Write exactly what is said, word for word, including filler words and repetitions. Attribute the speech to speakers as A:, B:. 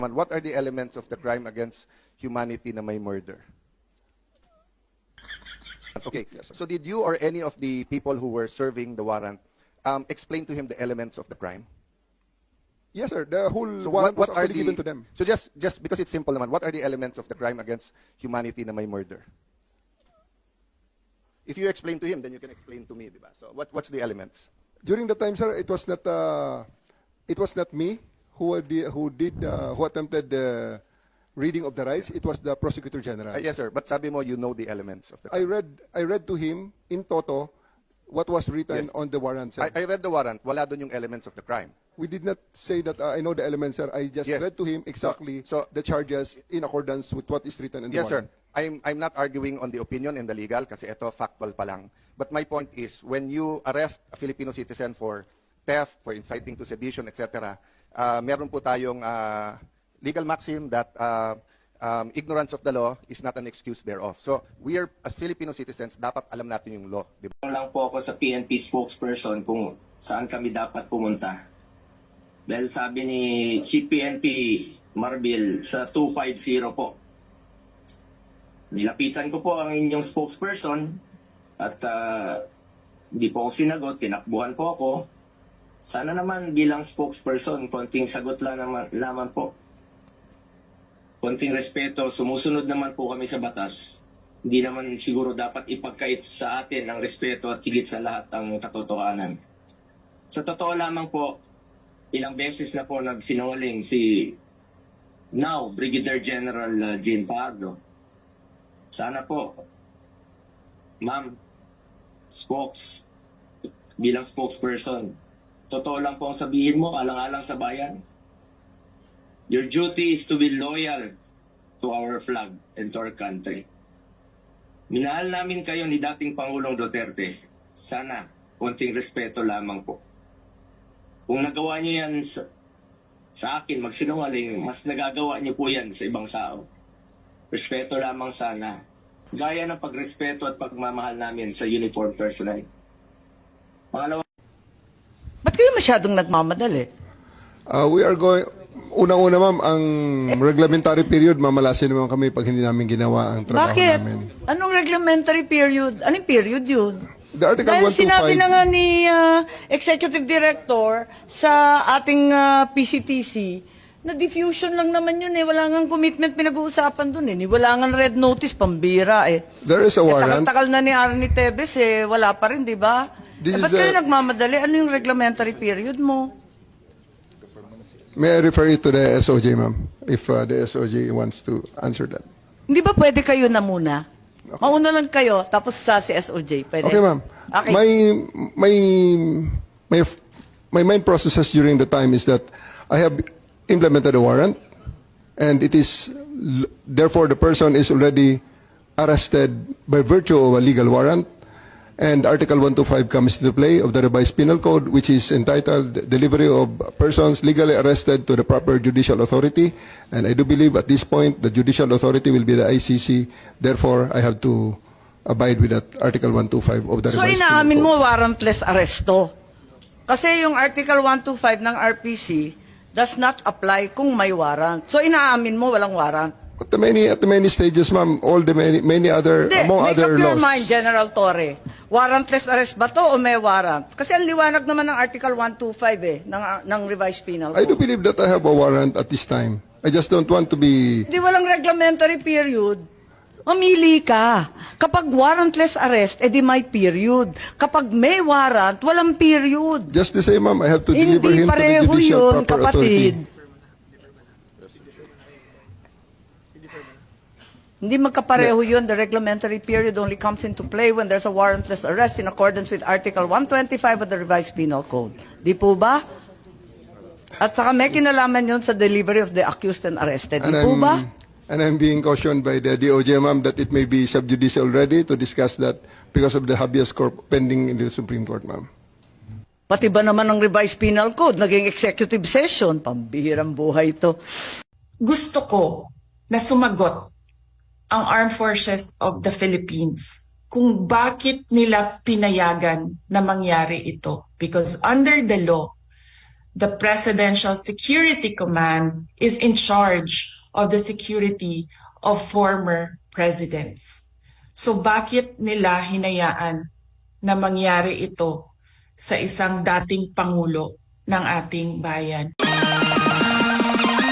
A: What are the elements of the crime against humanity na may murder? Okay, so did you or any of the people who were serving the warrant um, explain to him the elements of the crime?
B: Yes, sir. The whole
A: So
B: warrant
A: what, what
B: was
A: are
B: already
A: the,
B: given to them.
A: So just, just because it's simple naman, what are the elements of the crime against humanity na may murder? If you explain to him, then you can explain to me, di ba? So what, what's the elements?
B: During the time, sir, it was not uh, it was not me who did, who did uh, who attempted the reading of the rights. It was the prosecutor general.
A: Uh, yes, sir. But sabi mo, you know the elements of the
B: I
A: crime.
B: read I read to him in toto what was written
A: Yes.
B: on the warrant, sir.
A: I, I read the warrant. Wala doon yung elements of the crime.
B: We did not say that uh, I know the elements, sir. I just
A: Yes.
B: read to him exactly
A: So- so-
B: the charges in accordance with what is written in the
A: Yes, sir.
B: warrant.
A: I'm, I'm not arguing on the opinion and the legal kasi ito factual pa lang. But my point is, when you arrest a Filipino citizen for theft, for inciting to sedition, et cetera, uh, meron po tayong uh, legal maxim that uh, um, ignorance of the law is not an excuse thereof. So we are, as Filipino citizens, dapat alam natin yung law. Di ba?
C: Tanong lang po ako sa P N P spokesperson kung saan kami dapat pumunta. Dahil sabi ni Chief P N P Marbil sa two fifty po. Nilapitan ko po ang inyong spokesperson at uh, hindi po ako sinagot, tinakbuhan po ako. Sana naman bilang spokesperson, konting sagot lang naman, naman po. Konting respeto, sumusunod naman po kami sa batas. Hindi naman siguro dapat ipagkait sa atin ang respeto at higit sa lahat ang katotohanan. Sa totoo lamang po, ilang beses na po nagsinungaling si now Brigadier General uh, Jean Pardo. Sana po, ma'am, spokes, bilang spokesperson, totoo lang po ang sabihin mo, alang-alang sa bayan. Your duty is to be loyal to our flag and to our country. Minahal namin kayo ni dating Pangulong Duterte. Sana, konting respeto lamang po. Kung nagawa niyo yan sa, sa akin, magsinungaling, mas nagagawa niyo po yan sa ibang tao. Respeto lamang sana. Gaya ng pagrespeto at pagmamahal namin sa uniform personnel. Pangalawa,
D: Ba't kayo masyadong nagmamadali?
B: Uh, we are going unang-una, ma'am, ang reglementary period, mamalasin naman kami pag hindi namin ginawa ang trabaho
D: Bakit?
B: namin.
D: Anong reglementary period? Anong period yun?
B: The Article
D: Dahil
B: one twenty-five
D: sinabi na nga ni uh, Executive Director sa ating uh, P C T C na diffusion lang naman yun eh. Wala nga commitment pinag-uusapan dun eh. Ni wala nga red notice, pambira eh.
B: There is a
D: Eh,
B: warrant.
D: tagal-tagal na ni Arnie Tevez eh. Wala pa rin, di ba?
B: This
D: Eh,
B: is
D: ba't kayo
B: the-
D: nagmamadali? Ano yung reglementary period mo?
B: May I refer it to the S O J, ma'am, if uh, the S O J wants to answer that.
D: Hindi ba pwede kayo na muna? Mauna lang kayo, tapos sa si S O J. Pwede?
B: Okay, ma'am.
D: Okay.
B: My, my, my, my main processes during the time is that I have implemented a warrant, and it is, therefore, the person is already arrested by virtue of a legal warrant, and Article one twenty-five comes into play of the revised penal code, which is entitled Delivery of Persons Legally Arrested to the Proper Judicial Authority, and I do believe at this point the judicial authority will be the I C C, therefore I have to abide with that Article one twenty-five of the
D: So
B: revised
D: inaamin
B: penal
D: mo
B: code.
D: warrantless arresto. Kasi yung Article one twenty-five ng R P C does not apply kung may warrant. So inaamin mo walang warrant.
B: At the many, at the many stages, ma'am, all the many, many other,
D: Hindi,
B: among
D: make
B: other
D: up your
B: laws.
D: mind, General Torre. Warrantless arrest ba to o may warrant? Kasi ang liwanag naman ng Article one twenty-five eh, ng, ng revised penal
B: I do
D: code.
B: believe that I have a warrant at this time. I just don't want to be...
D: Hindi walang reglementary period. Mamili ka. Kapag warrantless arrest, edi may period. Kapag may warrant, walang period.
B: Just the same, ma'am, I have to deliver
D: Hindi
B: him to the
D: pareho
B: judicial
D: yun,
B: proper
D: kapatid.
B: authority.
D: Hindi magkapareho yun. The reglementary period only comes into play when there's a warrantless arrest in accordance with Article one twenty-five of the Revised Penal Code. Di po ba? At saka may kinalaman yun sa delivery of the accused and arrested. Di
B: And
D: po
B: I'm,
D: ba?
B: and I'm being cautioned by the D O J, ma'am, that it may be sub judice already to discuss that because of the habeas corpus pending in the Supreme Court, ma'am.
D: Pati ba naman ng Revised Penal Code, naging executive session? Pambihirang buhay ito.
E: Gusto ko na sumagot ang Armed Forces of the Philippines kung bakit nila pinayagan na mangyari ito. Because under the law, the Presidential Security Command is in charge of the security of former presidents. So bakit nila hinayaan na mangyari ito sa isang dating pangulo ng ating bayan?